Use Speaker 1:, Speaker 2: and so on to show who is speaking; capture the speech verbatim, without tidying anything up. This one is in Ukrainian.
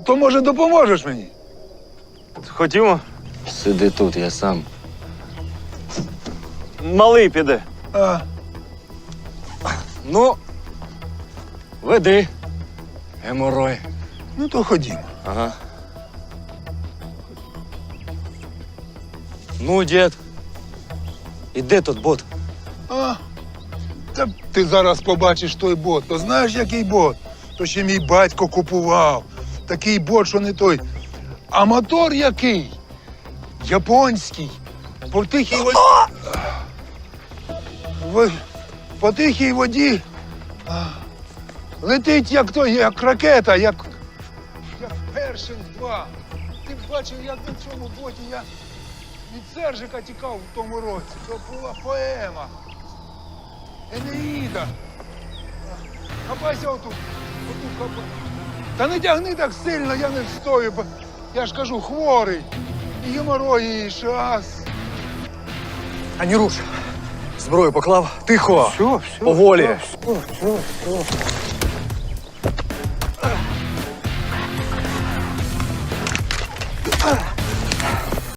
Speaker 1: То, може, допоможеш мені?
Speaker 2: Ходімо.
Speaker 3: Сиди тут, я сам.
Speaker 2: Малий піде.
Speaker 1: А,
Speaker 3: Ну, веди. Геморой.
Speaker 1: ну то ходімо.
Speaker 3: Ага. Ну, дід. І де тут бот?
Speaker 1: А, та ти зараз побачиш той бот. То знаєш, який бот? То ще мій батько купував. Такий бот, що не той. А мотор який? Японський. По тихій воді. В... По тихій воді. а, Летить як той, як ракета, як. Як Першинг два. Ти б бачив, як на цьому боті я від Сержика тікав в тому році. То була поема. Енеїда. Хапайся отут. Отут хапай. Та не тягни так сильно, я не встою, бо я ж кажу, хворий. І геморої, і шас.
Speaker 3: А не руш. Зброю поклав. Тихо.
Speaker 1: Все, все.
Speaker 3: Поволі.
Speaker 1: Все, все, все.